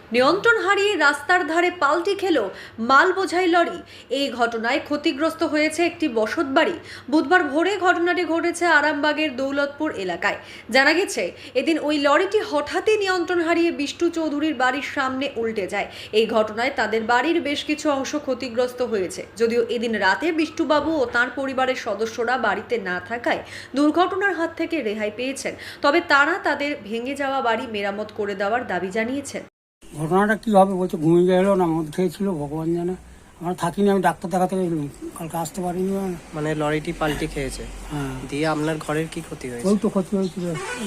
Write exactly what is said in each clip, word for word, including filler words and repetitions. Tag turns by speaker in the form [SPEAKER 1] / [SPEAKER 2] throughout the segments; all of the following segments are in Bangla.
[SPEAKER 1] নিয়ন্ত্রণ হারিয়ে রাস্তার ধারে পাল্টি খেল মাল বোঝাই লরি। এই ঘটনায় ক্ষতিগ্রস্ত হয়েছে একটি বসতবাড়ি। বুধবার ভোরে ঘটনাটি ঘটেছে আরামবাগের দৌলতপুর এলাকায়। জানা গেছে, এদিন ওই লরিটি হঠাৎই নিয়ন্ত্রণ হারিয়ে বিষ্টু চৌধুরীর বাড়ির সামনে উল্টে যায়। এই ঘটনায় তাদের বাড়ির বেশ কিছু অংশ ক্ষতিগ্রস্ত হয়েছে। যদিও এদিন রাতে বিষ্টুবাবু ও তাঁর পরিবারের সদস্যরা বাড়িতে না থাকায় দুর্ঘটনার হাত থেকে রেহাই পেয়েছেন। তবে তারা তাদের ভেঙে যাওয়া বাড়ি মেরামত করে দেওয়ার দাবি জানিয়েছেন।
[SPEAKER 2] ঘটনাটা কী হবে বলছে, ঘুমিয়ে গেলো না মদ খেয়েছিল ভগবান জানে। আমরা থাকিনি, আমি ডাক্তার দেখাতে গেছিলাম, কালকে আসতে পারিনি।
[SPEAKER 3] মানে লরিটি পাল্টি খেয়েছে।
[SPEAKER 2] হ্যাঁ,
[SPEAKER 3] দিয়ে আপনার ঘরের কি ক্ষতি হয়েছে?
[SPEAKER 2] ওই তো ক্ষতি হয়েছিল,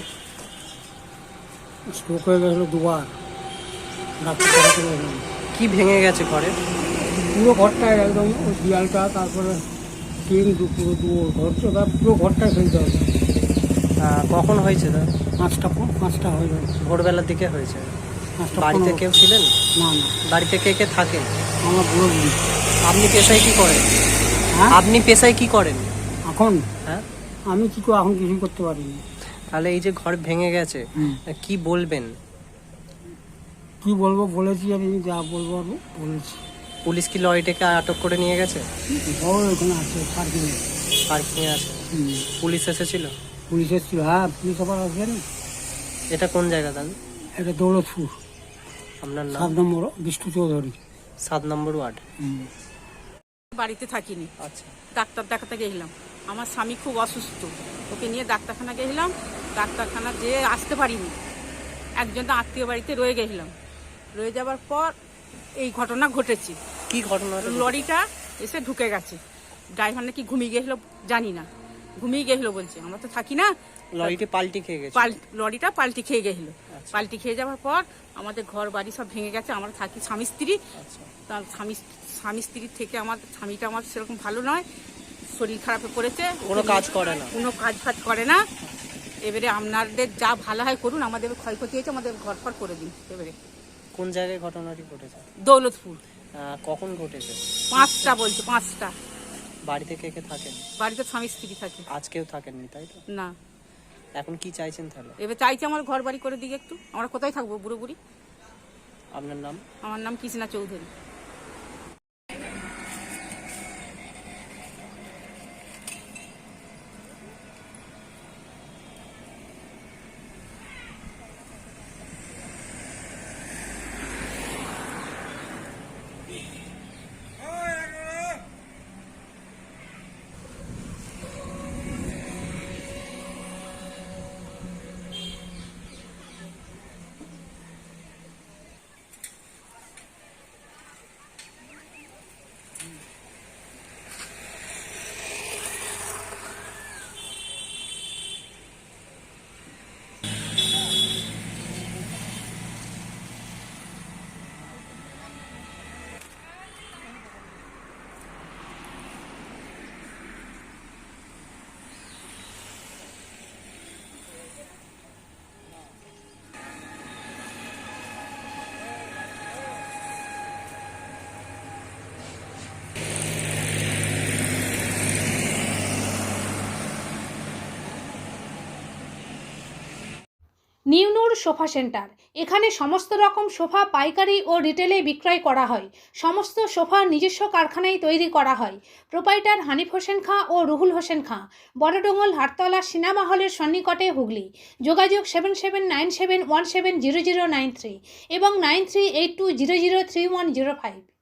[SPEAKER 2] স্ট্রোক হয়ে গেছিলো দুবার, ডাক্তার দেখাতে গেছিলাম।
[SPEAKER 3] কি ভেঙে গেছে ঘরে?
[SPEAKER 2] পুরো ঘরটায় একদম, ওই দিয়ালটা, তারপরে টিন পুরো পুরো ঘরটা, পুরো ঘরটায় ফেলতে হবে।
[SPEAKER 3] আহ, কখন হয়েছে? তা
[SPEAKER 2] পাঁচটা পাঁচটা হয়ে যাবে,
[SPEAKER 3] ভোরবেলার দিকে হয়েছে।
[SPEAKER 2] পাঁচটা।
[SPEAKER 3] বাড়িতে কেউ ছিলেন?
[SPEAKER 2] না না,
[SPEAKER 3] বাড়িতে কে কে থাকে?
[SPEAKER 2] আমার বুড়ো বুড়ি।
[SPEAKER 3] আপনি পেশায় কি করেন?
[SPEAKER 2] হ্যাঁ,
[SPEAKER 3] আপনি পেশায় কি করেন
[SPEAKER 2] এখন
[SPEAKER 3] হ্যাঁ
[SPEAKER 2] আমি কি করে, এখন কিছুই করতে পারিনি।
[SPEAKER 3] তাহলে এই যে ঘর ভেঙে গেছে,
[SPEAKER 2] হুম।
[SPEAKER 3] কি বলবেন?
[SPEAKER 2] কি বলবো, বলেছি আমি, যা বলবো আমি বলেছি।
[SPEAKER 3] পুলিশ কি লরিটাকে আটক করে নিয়ে গেছে?
[SPEAKER 2] ও ওখানে আছে পার্কিংয়ে।
[SPEAKER 3] পার্কিং এ আছে।
[SPEAKER 2] হুম।
[SPEAKER 3] পুলিশ এসেছিল?
[SPEAKER 2] পুলিশ এসেছিল, হ্যাঁ পুলিশ আবার আসবে না।
[SPEAKER 3] এটা কোন জায়গা তাহলে?
[SPEAKER 2] এটা দৌলতপুর,
[SPEAKER 3] আপনার নাম?
[SPEAKER 2] সাত নম্বর বিষ্টু চৌধুরী।
[SPEAKER 3] সাত নম্বর ওয়ার্ড।
[SPEAKER 2] হুম।
[SPEAKER 4] বাড়িতে থাকিনি,
[SPEAKER 3] আচ্ছা।
[SPEAKER 4] ডাক্তার দেখাতে গেছিলাম। আমার স্বামী খুব অসুস্থ, ওকে নিয়ে ডাক্তারখানা গেছিলাম। ডাক্তারখানা যেয়ে আসতে পারিনি, একজন আত্মীয় বাড়িতে রয়ে গেছিলাম। রয়ে যাওয়ার পর এই ঘটনা ঘটেছে।
[SPEAKER 3] কি ঘটনা?
[SPEAKER 4] লরিটা এসে ঢুকে গেছে। ড্রাইভার নাকি ঘুমিয়ে গেছিলো, জানি না, ঘুমিয়ে গেছিলো বলছে, আমরা তো থাকি না।
[SPEAKER 3] লরিটি পাল্টি খেয়ে গেছে?
[SPEAKER 4] পাল লরিটা পাল্টি খেয়ে গেছিলো। পাল্টি খেয়ে যাওয়ার পর আমাদের ঘর বাড়ি সব ভেঙে গেছে। আমরা থাকি স্বামী স্ত্রী। তার স্বামী স্বামী স্ত্রীর থেকে আমার স্বামীটা আমার সেরকম ভালো নয়, শরীর খারাপে পড়েছে,
[SPEAKER 3] কোনো কাজ করে না?
[SPEAKER 4] কোনো কাজ ফাজ করে না। এবারে আপনাদের যা ভালো হয় করুন, আমাদের ক্ষয়ক্ষতি হয়েছে, আমাদের ঘর ফর করে দিন। এবারে
[SPEAKER 3] কোন জায়গায় ঘটনাটি ঘটেছে?
[SPEAKER 4] দৌলতপুর।
[SPEAKER 3] আহ, কখন ঘটেছে?
[SPEAKER 4] পাঁচটা বলছে, পাঁচটা।
[SPEAKER 3] বাড়িতে কে কে থাকেন?
[SPEAKER 4] বাড়িতে স্বামী স্ত্রী থাকে।
[SPEAKER 3] আজকেও থাকেননি তাই তো?
[SPEAKER 4] না,
[SPEAKER 3] এখন কি চাইছেন তাহলে?
[SPEAKER 4] এবার চাইছে আমার ঘর বাড়ি করে দিকে একটু। আমরা কোথায় থাকবো বুড়ো বুড়ি?
[SPEAKER 3] আপনার নাম?
[SPEAKER 4] আমার নাম কৃষ্ণা চৌধুরী।
[SPEAKER 5] নিউনুর সোফা সেন্টার। এখানে সমস্ত রকম সোফা পাইকারি ও রিটেলে বিক্রয় করা হয়। সমস্ত সোফা নিজস্ব কারখানায় তৈরি করা হয়। প্রোপাইটার হানিফ হোসেন খাঁ ও রুহুল হোসেন খাঁ, বড়ডোঙ্গল হাটতলা সিনেমা হলের সন্নিকটে, হুগলি। যোগাযোগ seven seven nine seven one seven zero zero nine three এবং nine three eight two zero zero three one zero five.